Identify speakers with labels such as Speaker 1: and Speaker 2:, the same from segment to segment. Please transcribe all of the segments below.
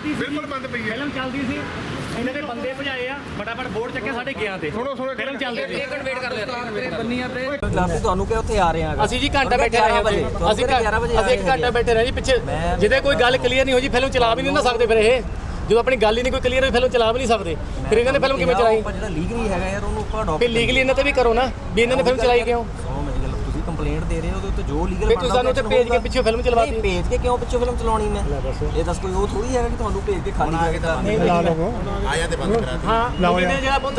Speaker 1: ਚੱਲਦੀ ਸੀ,
Speaker 2: ਬਿਲਕੁਲ ਬੰਦ ਪਈ ਹੈ।
Speaker 1: ਫਿਲਮ ਚੱਲਦੀ ਸੀ, ਇਹਨਾਂ ਦੇ ਬੰਦੇ ਭਜਾਏ ਆ, ਫਟਾਫਟ ਬੋਰਡ ਚੱਕੇ ਸਾਡੇ ਗਿਆ ਤੇ ਫਿਲਮ ਚੱਲਦੀ ਸੀ।
Speaker 3: ਇੱਕ ਮਿੰਟ ਵੇਟ ਕਰ ਲਿਆ ਬੰਨੀਆਂ ਤੇ ਤੁਹਾਨੂੰ ਕਿ ਉੱਥੇ ਆ ਰਹੇ ਆ
Speaker 1: ਅਸੀਂ ਜੀ ਘੰਟਾ ਬੈਠੇ ਰਹੇ, ਅਸੀਂ 1 ਘੰਟਾ ਬੈਠੇ ਰਹੇ ਜੀ ਪਿੱਛੇ। ਜਿਹਦੇ ਕੋਈ ਗੱਲ ਕਲੀਅਰ ਨਹੀਂ ਹੋ ਜੀ ਫਿਲਮ ਚਲਾ ਵੀ ਨਹੀਂ ਨਾ ਸਕਦੇ। ਫਿਰ ਇਹ ਜਦੋਂ ਆਪਣੀ ਗੱਲ ਹੀ ਨਹੀਂ ਕੋਈ ਕਲੀਅਰ ਹੋਈ ਫਿਲਮ ਚਲਾ ਵੀ ਨਹੀਂ ਸਕਦੇ। ਫਿਰ ਇਹਨਾਂ ਨੇ ਫਿਲਮ ਕਿਵੇਂ ਚਲਾਈ?
Speaker 3: ਜਿਹੜਾ ਲੀਗਲੀ ਹੈਗਾ ਯਾਰ ਉਹਨੂੰ ਆਪਾਂ
Speaker 1: ਫਿਰ ਲੀਗਲੀ ਇਹਨਾਂ ਤੇ ਵੀ ਕਰੋ ਨਾ ਵੀ ਇਹਨਾਂ ਨੇ ਫਿਲਮ ਚਲਾਈ ਕਿਉਂ।
Speaker 3: ਤੁਸੀਂ ਕੰਪਲੇਂਟ ਦੇ ਰਹੇ ਹੋ ਉਹਦੇ ਉੱਤੇ ਜੋ ਲੀਗਲ
Speaker 1: ਫਿਰ ਤੁਸੀਂ ਸਾਨੂੰ ਉੱਤੇ ਭੇਜ ਕੇ ਪਿੱਛੇ ਫਿਲਮ ਚਲਵਾਤੀ।
Speaker 3: ਭੇਜ ਕੇ ਕਿਉਂ ਪਿੱਛੇ ਫਿਲਮ ਚਲਾਉਣੀ ਮੈਂ? ਇਹ ਦੱਸ ਕੋਈ ਉਹ ਥੋੜੀ ਹੈਗਾ ਕਿ ਤੁਹਾਨੂੰ ਭੇਜ ਕੇ ਖਾਲੀ ਕਰਕੇ ਤਾਂ
Speaker 2: ਲਾ ਲਓ ਆਇਆ ਤੇ ਬੰਦ ਕਰਾ
Speaker 1: ਹਾਂ ਲਾਓ ਜਿਹੜਾ ਬਹੁਤ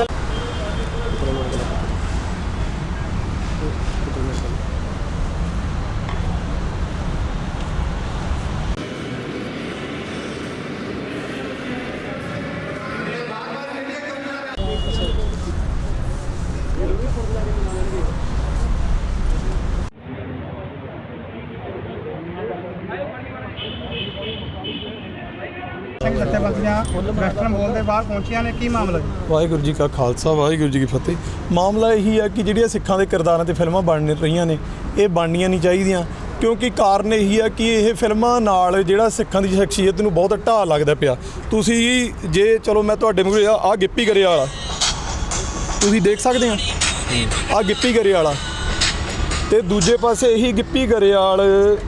Speaker 4: ਜਥੇਬੰਦੀਆਂ ਵੈਸਟਰਨ ਮਾਲ ਦੇ ਬਾਹਰ ਪਹੁੰਚੀਆਂ ਨੇ, ਕੀ ਮਾਮਲਾ ਜੀ?
Speaker 5: ਵਾਹਿਗੁਰੂ ਜੀ ਕਾ ਖਾਲਸਾ ਵਾਹਿਗੁਰੂ ਜੀ ਕੀ ਫਤਿਹ। ਮਾਮਲਾ ਇਹੀ ਹੈ ਕਿ ਜਿਹੜੀਆਂ ਸਿੱਖਾਂ ਦੇ ਕਿਰਦਾਰਾਂ ਤੇ ਫਿਲਮਾਂ ਬਣ ਰਹੀਆਂ ਨੇ ਇਹ ਬਣਨੀਆਂ ਨਹੀਂ ਚਾਹੀਦੀਆਂ, ਕਿਉਂਕਿ ਕਾਰਨ ਇਹੀ ਹੈ ਕਿ ਇਹ ਫਿਲਮਾਂ ਨਾਲ ਜਿਹੜਾ ਸਿੱਖਾਂ ਦੀ ਸ਼ਖਸੀਅਤ ਨੂੰ ਬਹੁਤ ਢਾਹ ਲੱਗਦਾ ਪਿਆ। ਤੁਸੀਂ ਜੇ ਚਲੋ ਮੈਂ ਤੁਹਾਡੇ ਮੂਹਰੇ ਆ ਗਿੱਪੀ ਗਰੇਵਾਲ ਵਾਲਾ ਤੁਸੀਂ ਦੇਖ ਸਕਦੇ ਆ, ਆ ਗਿੱਪੀ ਗਰੇਵਾਲ ਵਾਲਾ ਤੇ ਦੂਜੇ ਪਾਸੇ ਇਹੀ ਗਿੱਪੀ ਗਰੇਵਾਲ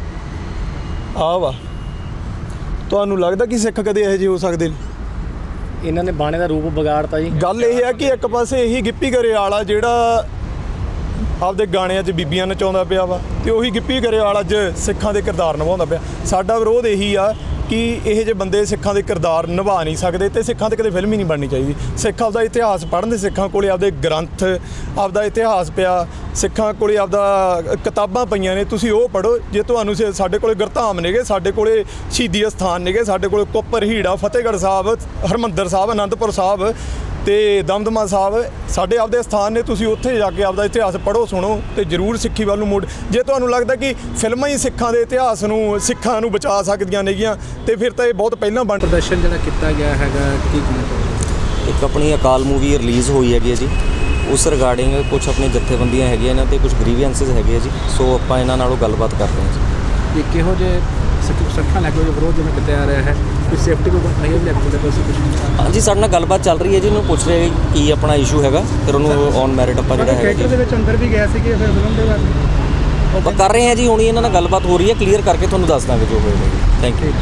Speaker 5: ਆ ਵਾ। ਤੁਹਾਨੂੰ ਲੱਗਦਾ ਕਿ ਸਿੱਖ ਕਦੇ ਇਹੋ ਜਿਹੇ ਹੋ ਸਕਦੇ ਨੇ?
Speaker 1: ਇਹਨਾਂ ਨੇ ਬਾਣੇ ਦਾ ਰੂਪ ਵਿਗਾੜਤਾ ਜੀ।
Speaker 5: ਗੱਲ ਇਹ ਹੈ ਕਿ ਇੱਕ ਪਾਸੇ ਇਹੀ ਗਿੱਪੀ ਗਰੇਵਾਲ ਆ ਜਿਹੜਾ ਆਪਦੇ ਗਾਣਿਆਂ 'ਚ ਬੀਬੀਆਂ ਨਚਾਉਂਦਾ ਪਿਆ ਵਾ, ਤੇ ਉਹੀ ਗਿੱਪੀ ਗਰੇਵਾਲ ਅੱਜ ਸਿੱਖਾਂ ਦੇ ਕਿਰਦਾਰ ਨਿਭਾਉਂਦਾ ਪਿਆ। ਸਾਡਾ ਵਿਰੋਧ ਇਹੀ ਆ ਕਿ ਇਹੋ ਜਿਹੇ ਬੰਦੇ ਸਿੱਖਾਂ ਦੇ ਕਿਰਦਾਰ ਨਿਭਾ ਨਹੀਂ ਸਕਦੇ ਤੇ ਸਿੱਖਾਂ 'ਤੇ ਕਦੇ ਫਿਲਮ ਹੀ ਨਹੀਂ ਬਣਨੀ ਚਾਹੀਦੀ। ਸਿੱਖ ਆਪਦਾ ਇਤਿਹਾਸ ਪੜ੍ਹਨ ਦੇ, ਸਿੱਖਾਂ ਕੋਲੇ ਆਪਦੇ ਗ੍ਰੰਥ ਆਪਦਾ ਇਤਿਹਾਸ ਪਿਆ, ਸਿੱਖਾਂ ਕੋਲੇ ਆਪਦਾ ਕਿਤਾਬਾਂ ਪਈਆਂ ਨੇ, ਤੁਸੀਂ ਉਹ ਪੜ੍ਹੋ। ਜੇ ਤੁਹਾਨੂੰ ਸਾਡੇ ਕੋਲੇ ਗੁਰਧਾਮ ਨੇਗੇ, ਸਾਡੇ ਕੋਲੇ ਸ਼ਹੀਦੀ ਅਸਥਾਨ ਨੇਗੇ, ਸਾਡੇ ਕੋਲੇ ਕੁੱਪਰ ਹੀੜਾ, ਫਤਿਹਗੜ੍ਹ ਸਾਹਿਬ, ਹਰਿਮੰਦਰ ਸਾਹਿਬ, ਅਨੰਦਪੁਰ ਸਾਹਿਬ ਤੇ ਦਮਦਮਾ ਸਾਹਿਬ ਸਾਡੇ ਆਪਦੇ ਸਥਾਨ ਨੇ। ਤੁਸੀਂ ਉੱਥੇ ਜਾ ਕੇ ਆਪਦਾ ਇਤਿਹਾਸ ਪੜ੍ਹੋ, ਸੁਣੋ ਤੇ ਜ਼ਰੂਰ ਸਿੱਖੀ ਵੱਲ ਨੂੰ ਮੋੜ। ਜੇ ਤੁਹਾਨੂੰ ਲੱਗਦਾ ਕਿ ਫਿਲਮਾਂ ਹੀ ਸਿੱਖਾਂ ਦੇ ਇਤਿਹਾਸ ਨੂੰ, ਸਿੱਖਾਂ ਨੂੰ ਬਚਾ ਸਕਦੀਆਂ ਨੇਗੀਆਂ ਤੇ ਫਿਰ ਤਾਂ ਇਹ ਬਹੁਤ ਪਹਿਲਾਂ ਬਣ।
Speaker 6: ਪ੍ਰਦਰਸ਼ਨ ਜਿਹੜਾ ਕੀਤਾ ਗਿਆ ਹੈਗਾ ਕੀ ਕਹਿਣਾ?
Speaker 3: ਇੱਕ ਆਪਣੀ ਅਕਾਲ ਮੂਵੀ ਰਿਲੀਜ਼ ਹੋਈ ਹੈਗੀ ਹੈ ਜੀ, ਉਸ ਰਿਗਾਰਡਿੰਗ ਕੁਝ ਆਪਣੀ ਜਥੇਬੰਦੀਆਂ ਹੈਗੀਆਂ ਇਹਨਾਂ ਤੇ ਕੁਝ ਗ੍ਰੀਵੈਂਸਿਸ ਹੈਗੇ ਆ ਜੀ, ਸੋ ਆਪਾਂ ਇਹਨਾਂ ਨਾਲੋਂ ਗੱਲਬਾਤ ਕਰ ਰਹੇ ਹਾਂ ਜੀ।
Speaker 6: ਇਹ ਕਿਹੋ ਜਿਹੇ ਸਿੱਖਾਂ ਲੈ ਕੇ ਵਿਰੋਧ ਜਿਵੇਂ ਕਿਤੇ ਆ ਰਿਹਾ ਹੈ, ਕੋਈ ਸੇਫਟੀ ਕੋਈ ਨਹੀਂ ਲੈ ਕੇ ਕੁਝ?
Speaker 3: ਹਾਂਜੀ, ਸਾਡੇ ਨਾਲ ਗੱਲਬਾਤ ਚੱਲ ਰਹੀ ਹੈ ਜੀ, ਉਹਨੂੰ ਪੁੱਛ ਰਹੇ ਕੀ ਆਪਣਾ ਇਸ਼ੂ ਹੈਗਾ, ਫਿਰ ਉਹਨੂੰ ਔਨ ਮੈਰਿਟ ਆਪਾਂ ਜਿਹੜਾ ਹੈਗਾ
Speaker 4: ਥੀਏਟਰ ਦੇ ਵਿੱਚ ਅੰਦਰ ਵੀ ਗਏ ਸੀਗੇ ਫਿਰ ਫਿਲਮ ਦੇ ਬਾਰੇ
Speaker 3: ਆਪਾਂ ਕਰ ਰਹੇ ਹਾਂ ਜੀ। ਹੁਣ ਇਹਨਾਂ ਨਾਲ ਗੱਲਬਾਤ ਹੋ ਰਹੀ ਹੈ, ਕਲੀਅਰ ਕਰਕੇ ਤੁਹਾਨੂੰ ਦੱਸ ਦਾਂਗੇ ਜੋ ਹੋਏਗਾ ਜੀ। Thank you.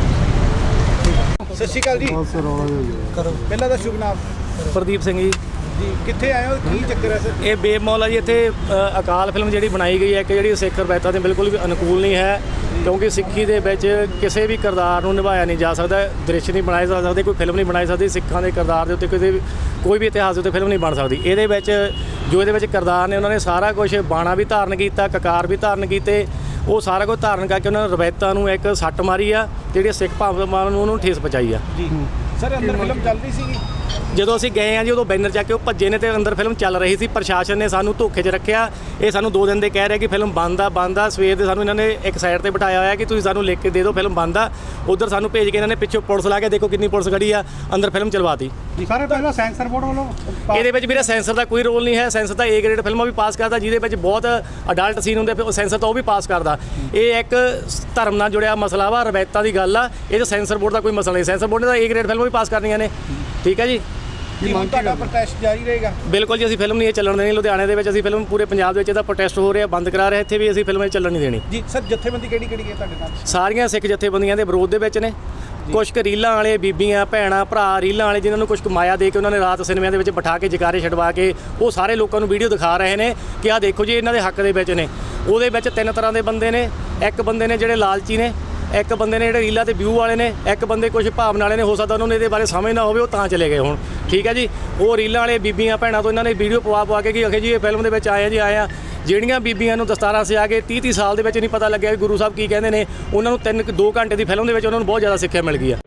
Speaker 4: ਸਤਿ ਸ਼੍ਰੀ ਅਕਾਲ ਜੀ। ਪਹਿਲਾਂ ਦਾ ਸ਼ੁਭ ਨਾਮ?
Speaker 1: ਪ੍ਰਦੀਪ ਸਿੰਘ ਜੀ।
Speaker 4: ਜੀ ਕਿੱਥੇ ਆਏ ਹੋ, ਕੀ ਚੱਕਰ ਹੈ ਸਰ?
Speaker 1: ਇਹ ਬੇਮੌਲ ਆ ਜੀ। ਇੱਥੇ ਅਕਾਲ ਫਿਲਮ ਜਿਹੜੀ ਬਣਾਈ ਗਈ ਹੈ ਕਿ ਜਿਹੜੀ ਸਿੱਖ ਰਵਾਇਤਾਂ ਦੇ ਬਿਲਕੁਲ ਵੀ ਅਨੁਕੂਲ ਨਹੀਂ ਹੈ, ਕਿਉਂਕਿ ਸਿੱਖੀ ਦੇ ਵਿੱਚ ਕਿਸੇ ਵੀ ਕਿਰਦਾਰ ਨੂੰ ਨਿਭਾਇਆ ਨਹੀਂ ਜਾ ਸਕਦਾ, ਦ੍ਰਿਸ਼ ਨਹੀਂ ਬਣਾਏ ਜਾ ਸਕਦੇ, ਕੋਈ ਫਿਲਮ ਨਹੀਂ ਬਣਾਈ ਸਕਦੀ ਸਿੱਖਾਂ ਦੇ ਕਿਰਦਾਰ ਦੇ ਉੱਤੇ, ਕੋਈ ਵੀ ਇਤਿਹਾਸ ਦੇ ਉੱਤੇ ਫਿਲਮ ਨਹੀਂ ਬਣ ਸਕਦੀ। ਇਹਦੇ ਵਿੱਚ ਜੋ ਇਹਦੇ ਵਿੱਚ ਕਿਰਦਾਰ ਨੇ ਉਹਨਾਂ ਨੇ ਸਾਰਾ ਕੁਝ ਬਾਣਾ ਵੀ ਧਾਰਨ ਕੀਤਾ, ਕਕਾਰ ਵੀ ਧਾਰਨ ਕੀਤੇ, ਉਹ ਸਾਰਾ ਕੁਝ ਧਾਰਨ ਕਰਕੇ ਉਹਨਾਂ ਨੇ ਰਵਾਇਤਾਂ ਨੂੰ ਇੱਕ ਸੱਟ ਮਾਰੀ ਆ, ਜਿਹੜੀ ਸਿੱਖ ਭਾਵਨਾਵਾਂ ਨੂੰ ਉਹਨੂੰ ਠੇਸ ਪਹੁੰਚਾਈ ਆ
Speaker 4: ਜੀ ਸਰ ਅੰਦਰ ਫਿਲਮ ਚੱਲ ਰਹੀ ਸੀਗੀ
Speaker 1: ਜਦੋਂ ਅਸੀਂ ਗਏ ਆ ਜੀ, ਉਦੋਂ ਬੈਨਰ ਚੱਕ ਕੇ ਉਹ ਭੱਜੇ ਨੇ ਤੇ ਅੰਦਰ ਫਿਲਮ ਚੱਲ ਰਹੀ ਸੀ। ਪ੍ਰਸ਼ਾਸਨ ਨੇ ਸਾਨੂੰ ਧੋਖੇ 'ਚ ਰੱਖਿਆ। ਇਹ ਸਾਨੂੰ 2 ਦਿਨ ਦੇ ਕਹਿ ਰਿਹਾ ਕਿ ਫਿਲਮ ਬੰਦ ਆ। ਸਵੇਰ ਦੇ ਸਾਨੂੰ ਇਹਨਾਂ ਨੇ ਇੱਕ ਸਾਈਡ ਤੇ ਬਿਠਾਇਆ ਹੋਇਆ ਕਿ ਤੁਸੀਂ ਸਾਨੂੰ ਲਿਖ ਕੇ ਦੇ ਦਿਓ ਫਿਲਮ ਬੰਦ ਆ। ਉਧਰ ਸਾਨੂੰ ਭੇਜ ਕੇ ਇਹਨਾਂ ਨੇ ਪਿੱਛੋਂ ਪੁਲਿਸ ਲਾ ਕੇ ਦੇਖੋ ਕਿੰਨੀ ਪੁਲਿਸ ਖੜੀ ਆ, ਅੰਦਰ ਫਿਲਮ ਚਲਵਾਤੀ
Speaker 4: ਜੀ। ਸਾਰੇ ਪਹਿਲਾਂ ਸੈਂਸਰ ਬੋਰਡ ਵੱਲੋਂ
Speaker 1: ਇਹਦੇ ਵਿੱਚ ਵੀਰੇ ਸੈਂਸਰ ਦਾ ਕੋਈ ਰੋਲ ਨਹੀਂ ਹੈ। ਸੈਂਸਰ ਤਾਂ A ਗ੍ਰੇਡ ਫਿਲਮਾਂ ਵੀ ਪਾਸ ਕਰਦਾ, ਜਿਹਦੇ ਵਿੱਚ ਬਹੁਤ ਅਡਲਟ ਸੀਨ ਹੁੰਦੇ, ਸੈਂਸਰ ਤਾਂ ਉਹ ਵੀ ਪਾਸ ਕਰਦਾ। ਇਹ ਇੱਕ ਧਰਮ ਨਾਲ ਜੁੜਿਆ ਮਸਲਾ ਵਾ, ਰਵਾਇਤਾਂ ਦੀ ਗੱਲ ਆ, ਇਹ 'ਚ ਸੈਂਸਰ ਬੋਰਡ ਦਾ ਕੋਈ ਮਸਲਾ ਨਹੀਂ। ਸੈਂਸਰ ਬੋਰਡ ਨੇ ਤਾਂ A ਗ੍ਰੇਡ ਫਿਲਮਾਂ ਵੀ ਪਾਸ ਕਰਨੀਆਂ ਨੇ, ਠੀਕ ਹੈ ਜੀ।
Speaker 4: ਤੁਹਾਡਾ ਪ੍ਰੋਟੈਸਟ ਜਾਰੀ ਰਹੇਗਾ?
Speaker 1: ਬਿਲਕੁਲ ਜੀ, ਅਸੀਂ ਫਿਲਮ ਨਹੀਂ ਇਹ ਚੱਲਣ ਦੇਣੀ। ਲੁਧਿਆਣੇ ਦੇ ਵਿੱਚ ਅਸੀਂ ਫਿਲਮ, ਪੂਰੇ ਪੰਜਾਬ ਦੇ ਵਿੱਚ ਇਹਦਾ ਪ੍ਰੋਟੈਸਟ ਹੋ ਰਿਹਾ, ਬੰਦ ਕਰਾ ਰਹੇ, ਇੱਥੇ ਵੀ ਅਸੀਂ ਫਿਲਮ ਇਹ ਚੱਲਣ ਨਹੀਂ ਦੇਣੀ
Speaker 4: ਜੀ। ਸਰ ਜਥੇਬੰਦੀ ਕਿਹੜੀ ਹੈ ਤੁਹਾਡੇ ਨਾਲ?
Speaker 1: ਸਾਰੀਆਂ ਸਿੱਖ ਜਥੇਬੰਦੀਆਂ ਦੇ ਵਿਰੋਧ ਦੇ ਵਿੱਚ ਨੇ। ਕੁਛ ਕੁ ਰੀਲਾਂ ਵਾਲੇ, ਬੀਬੀਆਂ ਭੈਣਾਂ ਭਰਾ ਰੀਲਾਂ ਵਾਲੇ, ਜਿਨ੍ਹਾਂ ਨੂੰ ਕੁਛ ਮਾਇਆ ਦੇ ਕੇ ਉਹਨਾਂ ਨੇ ਰਾਤ ਸਿਨੇਮਿਆਂ ਦੇ ਵਿੱਚ ਬਿਠਾ ਕੇ ਜਕਾਰੇ ਛਡਵਾ ਕੇ ਉਹ ਸਾਰੇ ਲੋਕਾਂ ਨੂੰ ਵੀਡੀਓ ਦਿਖਾ ਰਹੇ ਨੇ ਕਿ ਆਹ ਦੇਖੋ ਜੀ ਇਹਨਾਂ ਦੇ ਹੱਕ ਦੇ ਵਿੱਚ ਨੇ। ਉਹਦੇ ਵਿੱਚ 3 ਤਰ੍ਹਾਂ ਦੇ ਬੰਦੇ ਨੇ। ਇੱਕ ਬੰਦੇ ਨੇ ਜਿਹੜੇ ਲਾਲਚੀ ਨੇ, ਇੱਕ ਬੰਦੇ ਨੇ ਜਿਹੜੇ ਰੀਲਾਂ ਤੇ ਵਿਊ ਵਾਲੇ ਨੇ, ਇੱਕ ਬੰਦੇ ਕੁਝ ਭਾਵਨਾ ਵਾਲੇ ਨੇ। ਹੋ ਸਕਦਾ ਉਹਨਾਂ ਨੂੰ ਇਹਦੇ ਬਾਰੇ ਸਮਝ ਨਾ ਹੋਵੇ, ਉਹ ਤਾਂ ਚਲੇ ਗਏ ਹੁਣ, ਠੀਕ ਹੈ ਜੀ। ਉਹ ਰੀਲਾਂ ਵਾਲੇ ਬੀਬੀਆਂ ਭੈਣਾਂ ਤੋਂ ਇਹਨਾਂ ਨੇ ਵੀਡੀਓ ਪਵਾ ਕੇ ਕਿ ਅਖੇ ਜੀ ਇਹ ਫਿਲਮ ਦੇ ਵਿੱਚ ਆਏ ਆ। ਜਿਹੜੀਆਂ ਬੀਬੀਆਂ ਨੂੰ ਦਸਤਾਰਾਂ ਸਿਆ ਕੇ 30 ਸਾਲ ਦੇ ਵਿੱਚ ਨਹੀਂ ਪਤਾ ਲੱਗਿਆ ਕਿ ਗੁਰੂ ਸਾਹਿਬ ਕੀ ਕਹਿੰਦੇ ਨੇ, ਉਹਨਾਂ ਨੂੰ 2 ਘੰਟੇ ਦੀ ਫਿਲਮ ਦੇ ਵਿੱਚ ਉਹਨਾਂ ਨੂੰ ਬਹੁਤ ਜ਼ਿਆਦਾ ਸਿੱਖਿਆ ਮਿਲ ਗਈ ਆ।